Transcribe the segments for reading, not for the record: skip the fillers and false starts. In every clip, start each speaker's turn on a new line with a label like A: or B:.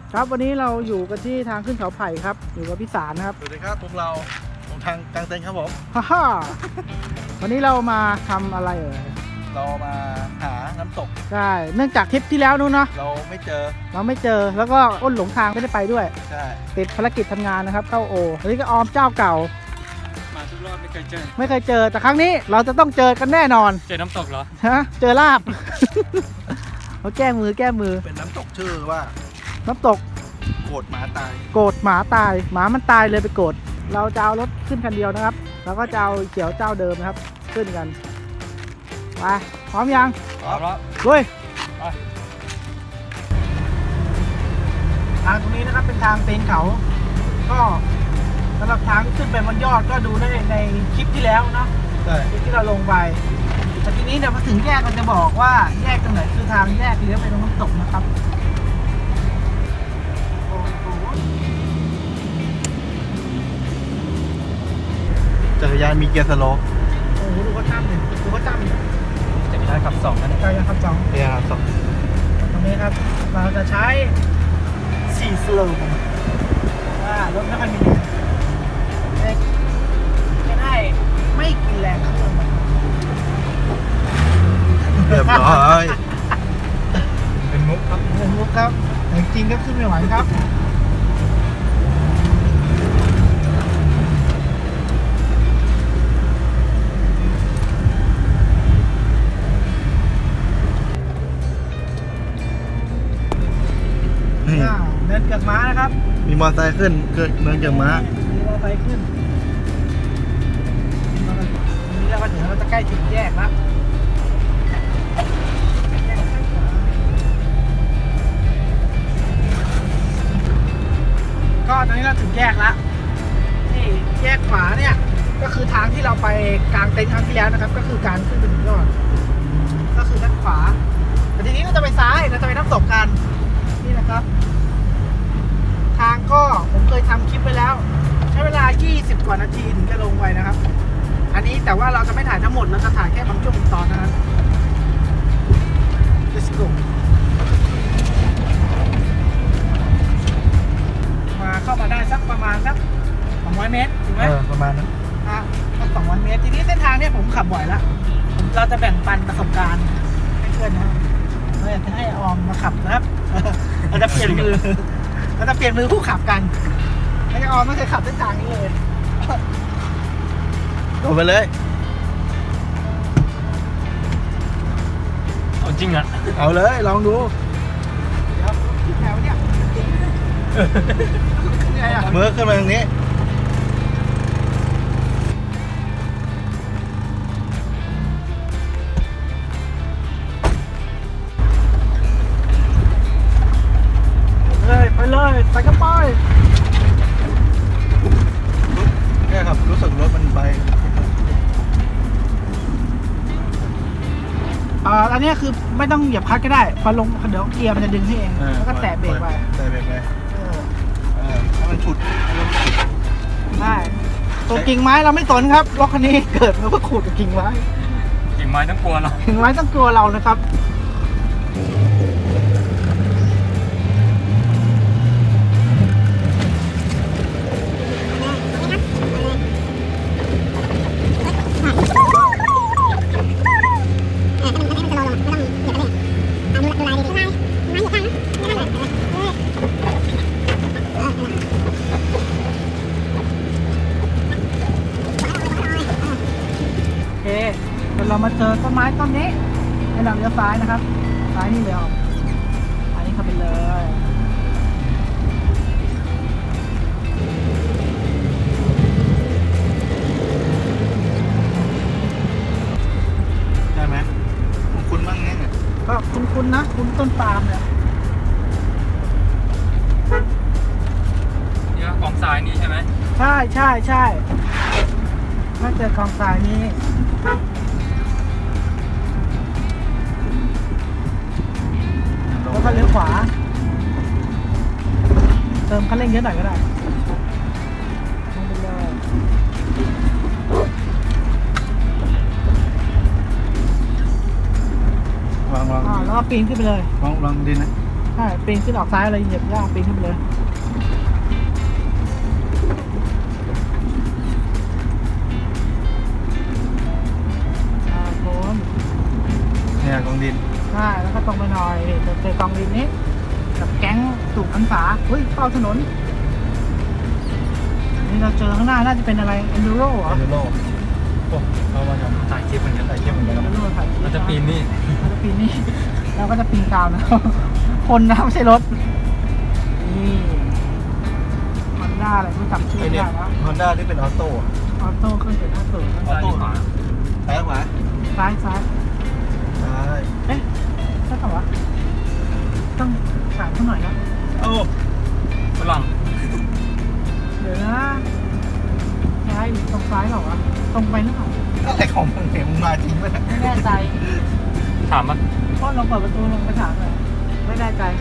A: ครับวันนี้เราอยู่กันที่ทางขึ้นเขาไผ่ครับอยู่กับพี่สารนะครับ
B: สวัสดีครับพวกเราของทางกลางเต็นท์ครับผม
A: ฮ่าฮ่าวันนี้เรามาทำอะไร
B: เรามาหาน้ำตก
A: ใช่เนื่องจากทริปที่แล้วนู้นเนาะ
B: เราไม่เจอ
A: เราไม่เจอแล้วก็อ้นหลงทางไม่ได้ไปด้วย
B: ใช่
A: ติดภารกิจทำงานนะครับเข้าโอวันนี้ก็ออมเจ้าเก่า
C: มาทุกรอบไม่เคยเจอ
A: ไม่เคยเจอแต่ครั้งนี้เราจะต้องเจอกันแน่นอน
C: เจอน้ำตกเหรอ
A: ฮะเจอลาบ เขาแก้มือ
B: เป็นน้ำตกชื่อว่า
A: น้ำตก
B: โกดหมาตาย
A: โกรธหมาตายหมามันตายเลยไปโกรธเราจะเอารถขึ้นคันเดียวนะครับแล้วก็จะเอาเขียวเจ้าเดิมนะครับขึ้นกันไปพร้อมยัง
C: เอาละ
A: ลุย
C: ไป
A: ทางตรงนี้นะครับเป็นทางตีนเขา ก็สำหรับทางขึ้นไปบนยอดก็ดูได้ในคลิปที่แล้วเนาะ
B: ใช่
A: คลิปที่เราลงไปแต่ทีนี้เนี่ยพอถึงแยกก็จะบอกว่าแยกตรงไหนคือทางแยกเลี้ยวไปตรงน้ำตกนะครับโอ้โห
B: จักรยานมีเกียร์สโลป
A: โอ้โหดูเขาตั้มเลยดูเขาตั้มเลย
C: จะมีได้ขับสองนะเนี่ย
A: กายยังขับสอง
B: เกียร์สอง
A: ตรงนี้ครับเราจะใช้4สโลว์ว่ารถไม่ค่อยมีแรงจะได้ไม่กินแรงเครื่องมัน
B: เรียบร้อย
C: เป็นมุกครับ
A: เงินมุกครับแต่จริงก็ขึ้นไม่ไหวครับเดินเกือกม้านะครับ
B: มีมอเตอร์ไซค์ขึ้นเกิดเมืองเกียร์ม้า
A: มีมอเตอร์ไซค์ขึ้นทีนี้เราก็ถึงเราจะใกล้ถึงแยกแล้วก็ตอนนี้เราถึงแยกแล้วนี่แยกขวาเนี่ยก็คือทางที่เราไปกลางเต็นท์ครั้งที่แล้วนะครับ ก็คือการขึ้นไปถึงยอดก็คือด้านขวาแต่ทีนี้เราจะไปซ้ายเราจะไปน้ำตกกันนี่นะครับ ทางก็ผมเคยทำคลิปไปแล้ว ใช้เวลา 20 กว่านาทีถึงจะลงไปนะครับ อันนี้แต่ว่าเราจะไม่ถ่ายทั้งหมดเราจะถ่ายแค่บางช่วงบางตอนเท่านั้น Let's go มาเข้ามาได้สักประมาณสัก200 เมตรถูกไหม
B: ประมาณนั้น
A: สัก200 เมตร ทีนี้เส้นทางเนี่ยผมขับบ่อยแล้วเราจะแบ่งปันประสบการณ์ให้เพื่อนนะครับเราอยากจะให้ออมมาขับนะครับ เราจะเปลี่ยนมือ เราจะเปลี่ยนมือผู้ขับกันไอ้ออมไม่เคยขับเส้นทางนี้เลย
B: เอาไปเลย
C: เอาจริงอ่ะ
B: เอาเลยลองดู
A: เดี๋ยวที่แถวเนี่ยเหนื่อยอ่ะ
B: เมื่อขึ้นมาตรงนี้
A: ไปเลยไปกันไป
B: เนี่ยครับรู้สึกรถมันไป
A: อันนี้คือไม่ต้องเหยียบคลัตช์ก็ได้พอลงเดี๋ยวเกียร์มันจะดึงให้เองแล้วก็แตะเบรกไป
B: แตะเบรกไป
A: เออ
B: ให้มันฉุด
A: ได้ตัวกิ่งไม้เราไม่สนครับรถคันนี้เกิดมาเพื่อขูดกับกิ่งไม้
C: กิ่งไม้ต้องกลัวเรา
A: กิ่งไม้ต้องกลัวเรานะครับโอเคเดี๋ยวเรามาเจอต้นไม้ต้นนี้ให้เราเลี้ยวซ้ายนะครับซ้ายนี่เลยออกซ้ายนี่เข้าไปเลย
B: ใช่ไหมของคุณบ้างเนี่ย
A: ก็คุ้นๆนะคุ้นต้นปาล์มเนี่ย
C: เนี่ยกองทรายนี่ใช่ไหม
A: ใช่ใช่ใช่ถ้าเจอกองทรายนี้แล้วก็เลี้ยวขวาเติมคันเร่งเยอะหน่อยก็ได้ลงไปเลย
B: ลอง
A: แล้วก็ปีนขึ้นไปเลย
B: ลองดินนะ
A: คช่ปีนขึ้นออกซ้ายเลยเหยียบย่างปีนขึ้นไปเลยโค้ง
B: เนี่ยกองดิน
A: ใช่แล้วก็ตรงไปหน่อยนี่จะเจอกองดินนี้กับแก๊งสูบพรรษาเฮ้ยเข้าถนนนี่เราเจอข้างหน้าน่าจะเป็นอะไร Enduro เหรอ
B: เอเดโลโอ้เขามาทำ
C: ถ่ายคลิปเหมือนกัน
B: ถ่ายคลิปเหมือนกันครับ
A: Enduro ถ่ายคลิป
C: มันจะปีนนี่
A: เราจะปีนนี่ เราก็จะปีนตามนะ คนนะไม่ใช่รถ นี่มันด้าอะไรไม่จำชื่อ
B: ไอ
A: ไม่
B: เนี่ย
A: ได้แล้ว
B: ฮอนด้าที่เป็นออโต้อะ
A: ออโต้เครื่องเสียงหน้าสูง
B: ออโต้
C: ขวา
B: ซ้ายขวา
A: ซ้ายซ้าย
B: ซ้าย
A: เอ๊ะใช่เปล่าวะต้องถามเขาหน่อยนะ
B: โอ้
C: ฝรั่ง
A: เดี๋ยวนะซ้ายหรือตรงซ้ายเหรอวะตรงไปหรือเปล่า
B: อะไรของมึงเนี่ยมึงมาจริงไหมเนี่ย
A: ไม่แน่ใจ
C: ถามปะ
A: ก็ลองเปิดประตูลงไปถามเลยไม่แน่ใจ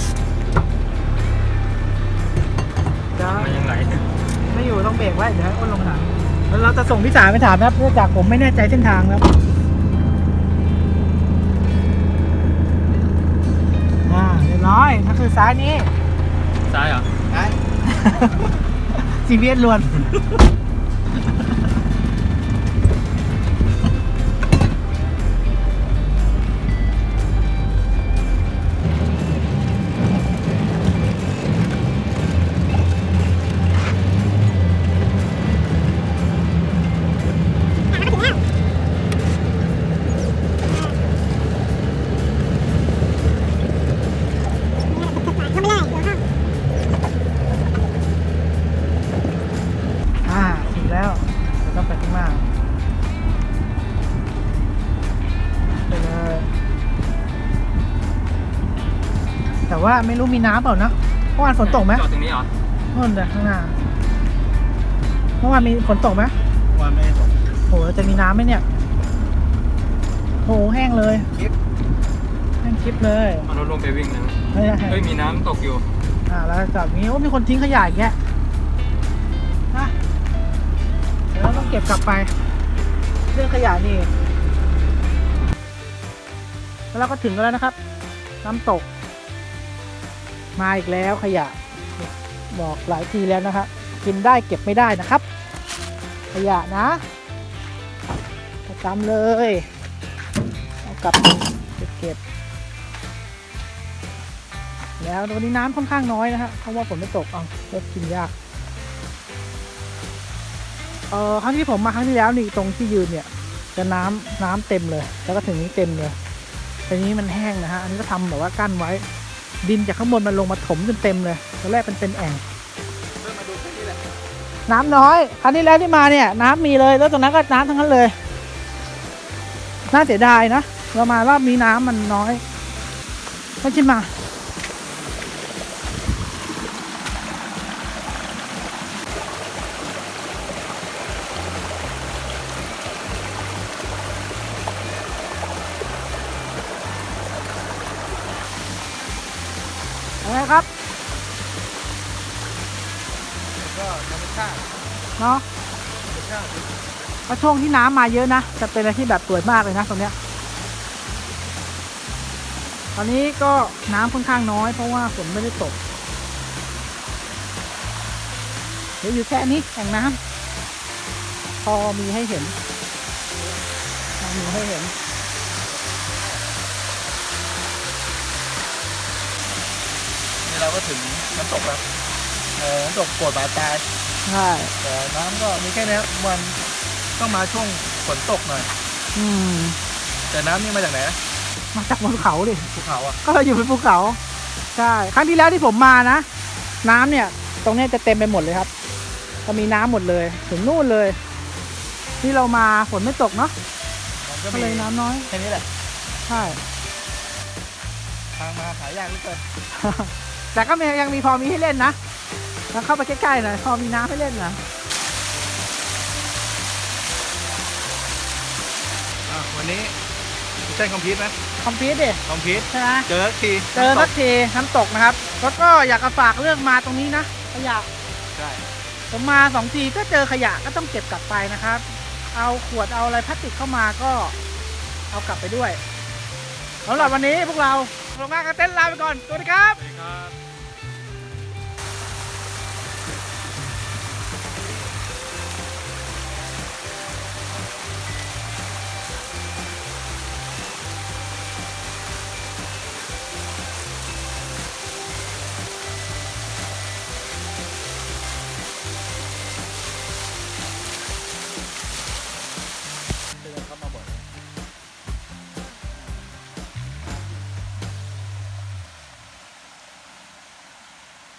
A: เดี๋ยว
C: มันยังไง
A: ไม่อยู่ต้องเบรกไว้เดี๋ยวให้อ้นลงถามแล้วเราจะส่งพี่สาไปถามนะครับเนื่องจากผมไม่แน่ใจเส้นทางครับเรียบร้อยนั่นคือซ้ายนี้
C: ซ้ายเหรอ
B: ซ้าย
A: CBS ล้วนถึงแล้วเราต้องไปข้างหน้าไปเลยแต่ว่าไม่รู้มีน้ำเปล่านะเมื่อวานฝนตกไหม
C: จอดตรงนี้เหรอ
A: นู่นเลยข้างหน้าเมื่อวานมีฝนตกไหม
B: วันไม่ได้ส่ง
A: โหจะมีน้ำไหมเนี่ยโหแห้งเลย
B: คลิป
A: แห้งคลิปเลย
C: เอารถลงไปวิ่งนะ
A: ไม่ได้
C: เฮ้ยมีน้ำตกอยู่
A: แล้วจากนี้โอ้มีคนทิ้งขยะอีกแกนะเดี๋ยวเราต้องเก็บกลับไปเรื่องขยะนี่แล้วเราก็ถึงกันแล้วนะครับ น้ำตก มาอีกแล้วขยะ บอกหลายทีแล้วนะครับกินได้เก็บไม่ได้นะครับ ขยะนะประจำเลยเอากลับเก็บแล้ววันนี้น้ำค่อนข้างน้อยนะฮะเพราะว่าฝนไม่ตกเอาก็กินยากครั้งที่ผมมาครั้งที่แล้วนี่ตรงที่ยืนเนี่ยจะน้ำเต็มเลยแล้วก็ถึงนี้เต็มเลยทีนี้มันแห้งนะฮะอันนี้ก็ทำแบบว่ากั้นไว้ดินจากข้างบนมันลงมาถมจนเต็มเลยตอนแรกเป็นแอ่ง
B: เริ่มมาดูแค่นี้แหละ
A: น้ำน้อยครั้งที่แล้วที่มาเนี่ยน้ำมีเลยแล้วตรงนั้นก็น้ำทั้งนั้นเลยน่าเสียดายนะเรามารอบนี้น้ำมันน้อยไม่ใช่มาอะไรครับ
B: ก็ธรรมชาติ
A: เนาะ
B: ธรรมชาติ
A: ก็ช่วงที่น้ำมาเยอะนะจะเป็นอะไรที่แบบสวยมากเลยนะตรงเนี้ยตอนนี้ก็น้ำค่อนข้างน้อยเพราะว่าฝนไม่ได้ตกเดี๋ยวอยู่แค่นี้แอ่งน้ำพอมีให้เห็น
B: นี่เราก็ถึงน้ำตกแล้วน้ำตกโกดบาตาย
A: ใช่
B: แต่น้ำก็มีแค่นี้วันต้องมาช่วงฝนตกหน่อย
A: อืม
B: แต่น้ำนี่มาจากไหนนะ
A: มาจากบนเขาดิ
B: ภูเขาอ่ะ
A: ก็เราอยู่บนภูเขาใช่ครั้งที่แล้วที่ผมมานะน้ำเนี่ยตรงเนี้ยจะเต็มไปหมดเลยครับจะมีน้ำหมดเลยถึงนู่นเลยที่เรามาฝนไม่ตกเนาะ
B: มันก็
A: ก็
B: มี
A: เลยน้ำน้อย
B: แค่นี้แหละ
A: ใช่
B: ทางมาหายากเหลือเกิน
A: แต่ก็ยังมีพอมีให้เล่นนะแล้วเข้าไปใกล้ๆหน่อยพอมีน้ำให้เล่นนะ
B: วันนี้ใช่คอมพิวต์ไหม
A: คอมพิวต์ดิ
B: คอมพิวต์
A: ใช่ไหม
B: เจอที
A: เจอสักทีน้ำตกนะครับแล้วก็อยากจะฝากเรื่องมาตรงนี้นะขยะ
B: ใช่
A: ผมมา2 ทีก็เจอขยะก็ต้องเก็บกลับไปนะครับ เอาขวดเอาอะไรพลาสติกเข้ามาก็เอากลับไปด้วยสำหรับวันนี้พวกเราโรงงานกางเต็นท์ลาไปก่อน สวัสดีครับ
C: สวัสดีครับ